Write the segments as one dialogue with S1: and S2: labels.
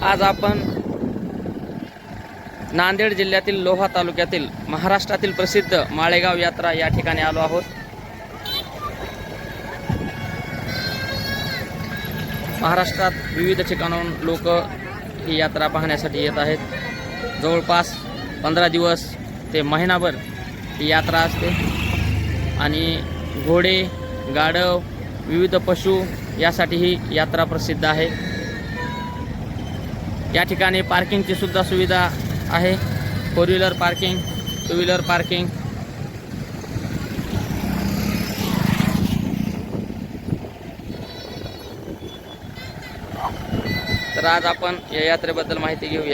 S1: आज आपण नांदेड जिल्ह्यातील लोहा तालुक्यातील महाराष्ट्रातील प्रसिद्ध माळेगाव यात्रा या ठिकाणी आलो आहोत। महाराष्ट्रात विविध ठिकाणाहून लोक ही यात्रा पाहण्यासाठी येत आहेत। जवळपास 15 दिवस ते महिनाभर ही यात्रा असते आणि घोडे, गाढव, विविध पशु यासाठी ही यात्रा प्रसिद्ध आहे। या ठिकाणी पार्किंगची सुद्धा सुविधा आहे। 4 व्हीलर पार्किंग, 2 व्हीलर पार्किंग। तर आज आपण या यात्रेबद्दल माहिती घेऊया।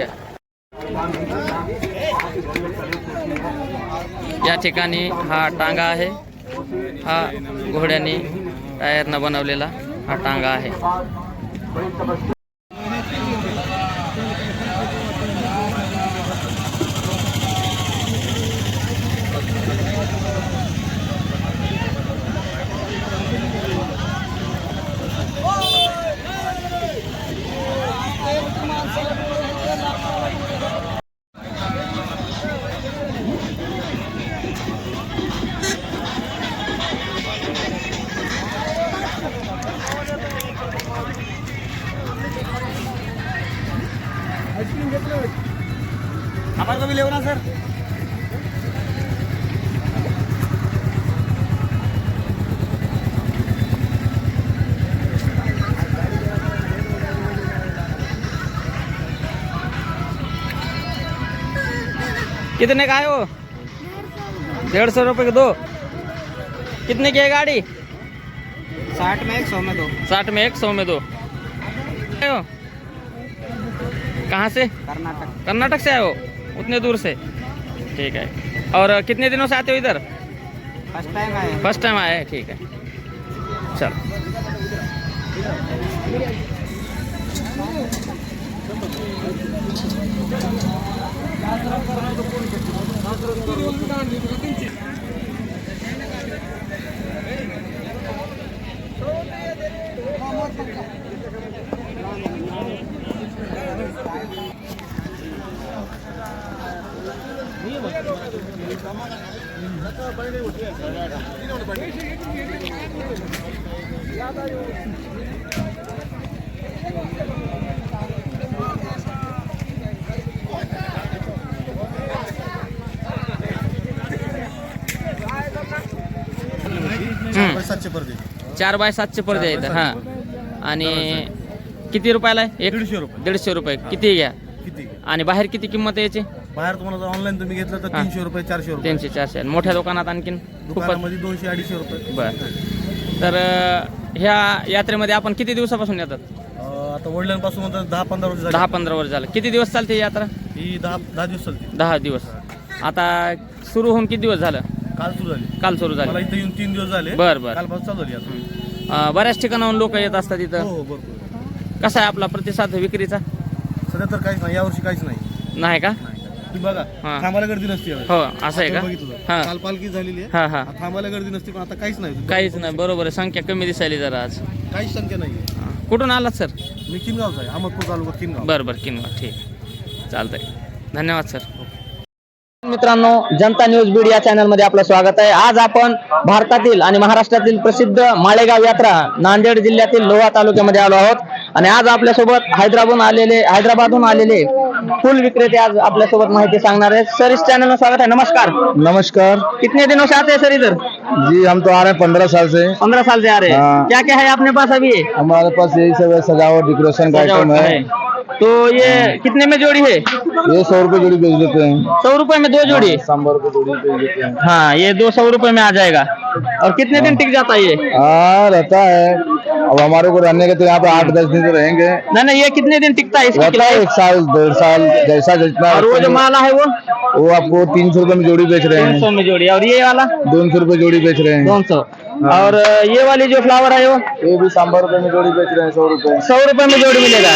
S1: या ठिकाणी हा टांगा आहे, हा घोड्याने टायरनं बनवलेला हा टांगा आहे।
S2: हमारे को भी ले ना सर।
S1: कितने का है वो? 150 रुपये के 2। कितने की है गाड़ी?
S2: 60 में 100 में 2।
S1: 60 में 1, 100 में 2। कहाँ से?
S2: कर्नाटक।
S1: कर्नाटक से आए हो? उतने दूर से? ठीक है। और कितने दिनों से आते हो इधर?
S2: फर्स्ट टाइम आए।
S1: फर्स्ट टाइम आए हैं, ठीक है। चल
S2: हम्म।
S1: 4 बाय 7चे पडदे आहेत। हां, आणि किती रुपयाला आहे?
S2: 150 रुपये।
S1: 150 रुपये। किती घ्या?
S2: किती?
S1: आणि बाहेर किती किंमत आहे याची?
S2: बाहेर तुम्हाला जर ऑनलाईन तुम्ही घेतलं तर 300 रुपये, 400 रुपये।
S1: 300 400। मोठ्या दुकानात आणखीन खूपच।
S2: दुकानामध्ये 200-250 रुपये।
S1: बरं। तर ह्या यात्रेमध्ये आपण किती दिवसापासून येतात?
S2: आता वडिलांपासून 10-15 वर्ष झाली।
S1: 10-15 वर्ष झालं। किती दिवस चालते ही यात्रा?
S2: ही 10 दिवस चालते।
S1: 10 दिवस। आता सुरू होऊन किती दिवस झालं?
S2: काल सुरू झाली।
S1: काल सुरू झालं।
S2: मला इथे येऊन 3 दिवस झाले।
S1: बरं बरं।
S2: कालपासून चालू झाली आता।
S1: बऱ्याच ठिकाणाहून लोक येत असतात इथं।
S2: हो बरोबर।
S1: कसा आहे आपला प्रतिसाद विक्रीचा?
S2: सध्या तर काहीच नाही, यावर्षी काहीच नाही।
S1: नाही का?
S2: तुम्ही बघा,
S1: हां.
S2: थांबायला गर्दी नसते यावेळी।
S1: हो, असं आहे का?
S2: बघितलं
S1: हां.
S2: काल पालखी झालेली आहे।
S1: हां हां।
S2: थांबायला गर्दी नसते, पण आता काहीच नाही।
S1: काहीच नाही, बरोबर आहे। संख्या कमी दिसायली जरा आज।
S2: काहीच संख्या नाही।
S1: कुठून आलात सर?
S2: मी किनगावचा आहे, अहमदपूर तालुका किनगाव।
S1: बरं बरं, किनगाव। ठीक, चालतंय। धन्यवाद सर। मित्रांनो, जनता न्यूज बीड या चॅनलमध्ये आपलं स्वागत आहे। आज आपण भारतातील आणि महाराष्ट्रातील प्रसिद्ध माळेगाव यात्रा नांदेड जिल्ह्यातील लोहा तालुक्यामध्ये आलो आहोत आणि आज आपल्यासोबत हैदराबादहून आलेले फूल विक्रेते आज आपल्यासोबत माहिती सांगणार आहेत। सर, इस चैनल में स्वागत है। नमस्कार।
S3: नमस्कार।
S1: कितने दिनों से आते हैं सर इधर?
S3: जी हम तो आ रहे हैं 15 साल से।
S1: 15 साल से आ रहे हैं।
S3: हाँ।
S1: क्या क्या है अपने पास अभी?
S3: हमारे पास यही सब है, सजावट डेकोरेशन का आइटम है।
S1: तो ये कितने में जोड़ी है?
S3: ये 100 रुपए जोड़ी बेच देते हैं।
S1: 100 रुपए में 2 जोड़ी?
S3: 100 रुपए जोड़ी बेच देते हैं।
S1: हाँ, ये 200 रुपए में आ जाएगा। और कितने दिन टिक जाता है ये?
S3: रहता है। अब हमारे को रहने के तो यहाँ पे 8-10 दिन तो रहेंगे।
S1: नहीं, ये कितने दिन टिकता है?
S3: रहता है 1 साल 1.5 साल, जैसा जितना।
S1: और वो जो माला है
S3: वो आपको 300 रुपए में जोड़ी बेच रहे हैं।
S1: 300 में जोड़ी। और ये वाला
S3: 200 रुपए जोड़ी बेच रहे हैं।
S1: 200। और ये वाली जो फ्लावर है वो?
S3: ये भी 100 रुपए में जोड़ी बेच रहे हैं। 100 रुपए।
S1: 100 रुपए में जोडी मिळेगा।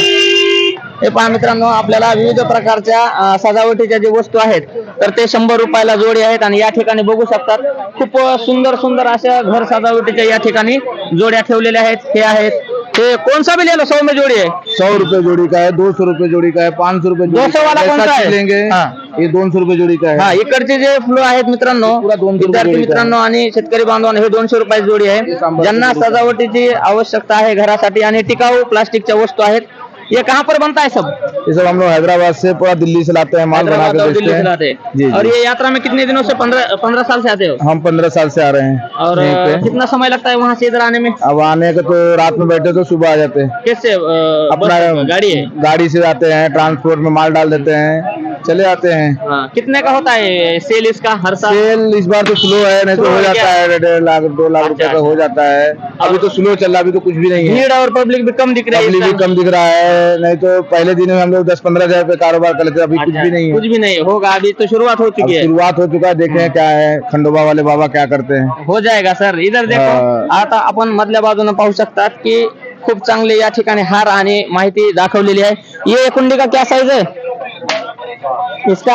S1: हे पहा मित्रांनो, आपल्याला विविध प्रकारच्या सजावटीच्या जे वस्तू आहेत तर ते 100 रुपयाला जोडी आहेत आणि या ठिकाणी बघू शकतात खूप सुंदर सुंदर अशा घर सजावटीच्या या ठिकाणी जोड्या ठेवलेल्या आहेत। हे आहेत ये कौन सा भी ले लो, 100 में जोड़ी है।
S3: 100 रुपए जोड़ी का है, 200 रुपए जोड़ी का है, 500 रुपए जोड़ी
S1: 200 वाला
S3: जैसा
S1: कौन सा है?
S3: चीज लेंगे
S1: हाँ।
S3: ये 200 रुपए जोड़ी का
S1: हा
S3: है।
S1: इकडचे जे फुलं आहेत मित्रांनो,
S3: पुरा 200 रुपये
S1: विद्यार्थी
S3: जोडी का
S1: मित्रांनो आणि शेतकरी बांधवांनो, हे 200 रुपयाची जोडी आहे।
S3: सांबार
S1: ज्यांना
S3: जोडी का.
S1: सजावटीची आवश्यकता आहे घरासाठी आणि टिकाऊ प्लास्टिकच्या वस्तू आहेत, ये कहाँ पर बनता है सब?
S3: ये सब हम लोग हैदराबाद से पूरा दिल्ली से लाते हैं, माल बना
S1: हैदराबाद
S3: के
S1: और
S3: बेचते
S1: दिल्ली से लाते
S3: हैं।
S1: हैं।
S3: जी जी।
S1: और ये यात्रा में कितने दिनों से 15 साल से आते हो?
S3: हम 15 साल से आ रहे हैं
S1: और
S3: यहीं पे।
S1: कितना समय लगता है वहाँ से इधर आने में?
S3: अब आने का तो रात में बैठे तो सुबह आ जाते हैं।
S1: कैसे
S3: अपना
S1: बस, गाड़ी है?
S3: गाड़ी से जाते हैं, ट्रांसपोर्ट में माल डाल देते हैं, चले आते हैं।
S1: हाँ, कितने का होता है सेल इसका हर साल?
S3: सेल इस बार तो स्लो है, नहीं तो
S1: स्लो
S3: हो
S1: है
S3: जाता
S1: क्या?
S3: है 1.5 लाख 2 लाख रुपए
S1: अच्छा,
S3: का हो जाता है। अभी तो स्लो चल रहा है, अभी तो कुछ भी नहीं है।
S1: भीड़ और पब्लिक भी कम दिख रही है
S3: पब्लिक
S1: इस
S3: भी
S1: टाइम।
S3: कम दिख रहा है, नहीं तो पहले दिन में हम लोग 10-15 हजार रुपए कारोबार कर लेते थे, अभी कुछ
S1: अच्छा,
S3: भी नहीं
S1: कुछ
S3: है।
S1: भी नहीं होगा, अभी तो शुरुआत हो
S3: अब
S1: चुकी है।
S3: शुरुआत हो चुका है, देखें क्या है खंडोबा वाले बाबा क्या करते हैं।
S1: हो जाएगा सर। इधर देखो, आता आपण मधल्या बाजूने पाहू शकतात की खूप चांगले या ठिकाणी हार आणि माहिती दाखवलेली आहे। ये कुंडी का क्या साइज है इसका?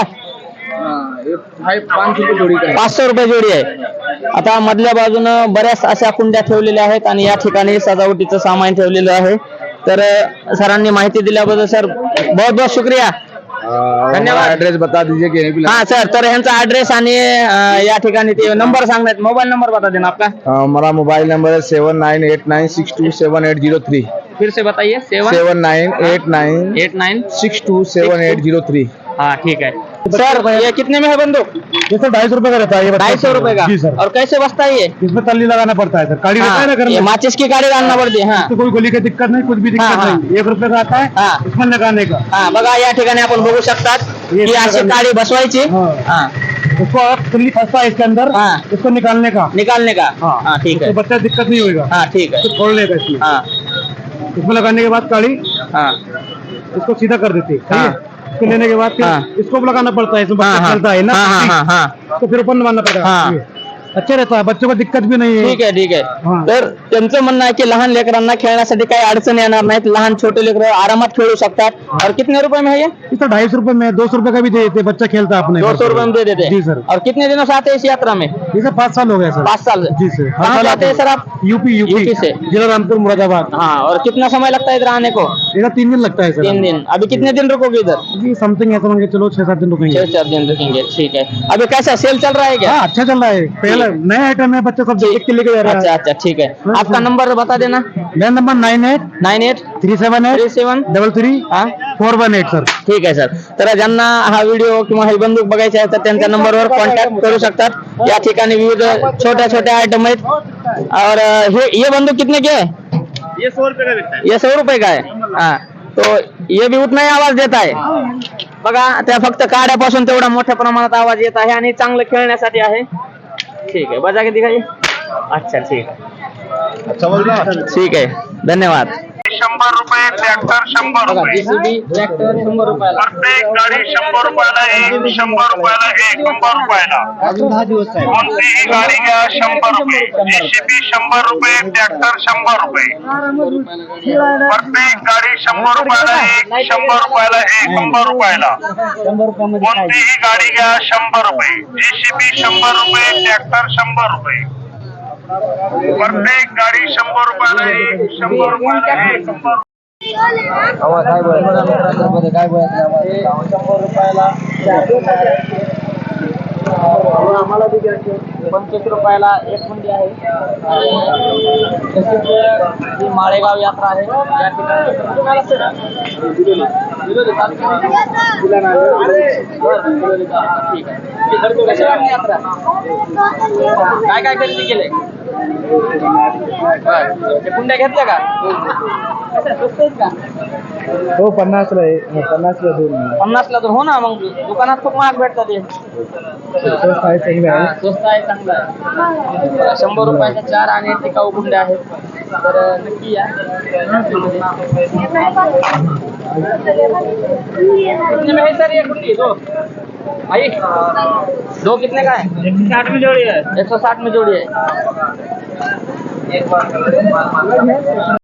S1: 500 रुपये जोडी आहे। आता मधल्या बाजूनं बऱ्याच अशा कुंड्या ठेवलेल्या आहेत आणि या ठिकाणी सजावटीचं सामान ठेवलेलं आहे। तर सरांनी माहिती दिल्याबद्दल सर बहुत बहुत शुक्रिया। धन्यवाद।
S3: एड्रेस बता दीजिए कि यहीं पे
S1: हाँ सर, तर ह्यांचा ऍड्रेस आणि या ठिकाणी ते नंबर सांगण्यात, मोबाईल नंबर बता देना आपका।
S3: हमारा मोबाइल नंबर है 7989627803।
S1: फिर से बताइए।
S3: 7989627803।
S1: हाँ ठीक है सर। ये कितने में है बंदूक?
S2: ये सर 250 रुपए का रहता है। ये
S1: 250 रुपए का।
S2: जी सर।
S1: और कैसे बचता है ये?
S2: इसमें तल्ली लगाना पड़ता है सर, काड़ी रहता है ना घर
S1: हाँ, ये
S2: में,
S1: माचिस की गाड़ी डालना पड़ती है। हाँ
S2: तो कोई गोली की दिक्कत नहीं, कुछ भी दिक्कत
S1: हाँ, हाँ।
S2: नहीं। 1 रुपए का आता है
S1: हाँ।
S2: इसमें लगाने का।
S1: हाँ, बघा या ठिकाणी आपण बघू शकतात की अशी काडी बसवायची।
S2: हाँ।
S1: हाँ,
S2: उसको आप तल्ली फंसता है इसके अंदर,
S1: हाँ।
S2: इसको निकालने का।
S1: निकालने का। हाँ ठीक है।
S2: तो बच्चा दिक्कत नहीं होगा।
S1: हाँ ठीक है।
S2: इसको खोलने का इसमें।
S1: हाँ
S2: इसमें लगाने के बाद काड़ी
S1: हाँ
S2: इसको सीधा कर देते हैं। सही है?
S1: हाँ।
S2: इसको लेने के बाद फिर
S1: हाँ।
S2: इसको लगाना पड़ता है, इसमें
S1: हाँ
S2: बच्चा
S1: हाँ
S2: चलता है ना।
S1: हाँ हाँ हाँ
S2: तो फिर ऊपर मारना पड़ेगा।
S1: हाँ।
S2: ये अच्छा रहता है, बच्चों को दिक्कत भी नहीं है।
S1: ठीक आहे ठीक आहे।
S2: हाँ।
S1: तर त्यांचं म्हणणं आहे की लहान लेकरांना खेळण्यासाठी काही अडचण येणार नाहीत, लहान छोटे लेकरं आरामात खेळू शकतात। और कितने रुपए में है ये?
S2: इस 250 रुपए में 200 रुपए का भी दे देते, बच्चा खेलता है अपने।
S1: 200 रुपए में दे देते हैं।
S2: जी सर।
S1: और कितने दिनों से आते हैं इस यात्रा में?
S2: ये सर 5 साल हो गए सर।
S1: 5 साल से।
S2: जी सर।
S1: कहाँ से आते हैं सर आप?
S2: यूपी
S1: यूपी से।
S2: जिला रामपुर मुरादाबाद।
S1: हाँ, और कितना समय लगता है इधर आने को?
S2: इधर 3 दिन लगता है सर।
S1: 3 दिन। अभी कितने दिन रुकोगे इधर?
S2: जी समथिंग ऐसा मान के चलो 6-7 दिन रुकेंगे।
S1: 6-4 दिन रुकेंगे। ठीक है। अभी कैसा सेल चल रहा है क्या?
S2: हाँ अच्छा चल रहा है, पहले नया आइटम है, बच्चे सब देख के लेके जा रहे
S1: अच्छा
S2: हैं।
S1: अच्छा ठीक है। आपका नंबर बता देना।
S2: मेरा नंबर 9837
S1: 9837
S2: 33
S1: हाँ
S2: 418 सर।
S1: ठीक आहे सर। तर ज्यांना हा व्हिडिओ किंवा ही बंदूक बघायची आहे तर त्यांच्या नंबरवर कॉन्टॅक्ट करू शकतात। या ठिकाणी विविध छोट्या छोट्या आइटम आहेत। और ये बंदूक कितने की है?
S2: ये 100 रुपए का बिकता है।
S1: ये 100 रुपए का है। हाँ, तो ये भी उतना ही आवाज देता है। बघा, त्या फक्त काड्यापासून तेवढा मोठ्या प्रमाणात आवाज येत आहे आणि चांगलं खेळण्यासाठी आहे। ठीक है, बजा के दिखाइए। अच्छा ठीक है,
S3: अच्छा बोल रहा
S1: ठीक है, धन्यवाद।
S4: 100 रुपये ट्रॅक्टर 100
S1: बघा,
S4: रुपये
S1: JCB ट्रॅक्टर 100 रुपयाला।
S4: प्रत्येक गाडी 100 रुपयाला एक 100 रुपयाला एक 100 रुपयाला कोणतीही गाडी घ्या 100 रुपये JCB 100 रुपये ट्रॅक्टर 100 रुपये प्रत्येक गाडी 100 रुपयाला एक 100 रुपयाला एक 100 रुपयाला कोणतीही गाडी घ्या 100 रुपये JCB 100 रुपये ट्रॅक्टर 100 रुपये प्रत्येक गाडी 100 रुपयाला एक 100 रुपयाला एक 100
S1: काय बोलायचं? 100 रुपयाला आम्हाला बी घ्यायचे। 25 रुपयाला एक कुंडी आहे। तशीच ही माळेगाव यात्रा आहे। या ठिकाणी ठीक आहे। कशी वाटली यात्रा? काय काय खरेदी केले? ते कुंड्या घेतल्या का? कशा स्वस्त आहेत का?
S2: हो 50 ला आहे, 50 ला 2
S1: 50 ला तर हो ना, मग दुकानात खूप महाग भेटतात ते।
S2: स्वस्त आहे, चांगले आहे।
S1: स्वस्त आहे, चांगला आहे। 100 रुपयाच्या 4 आणि टिकाऊ कुंड्या आहेत। तर नक्की या। कितने में है सर ये कुंडी? 2 भाई 2 कितने का है? 160 में जोड़ी है। 160 में जोड़ी है।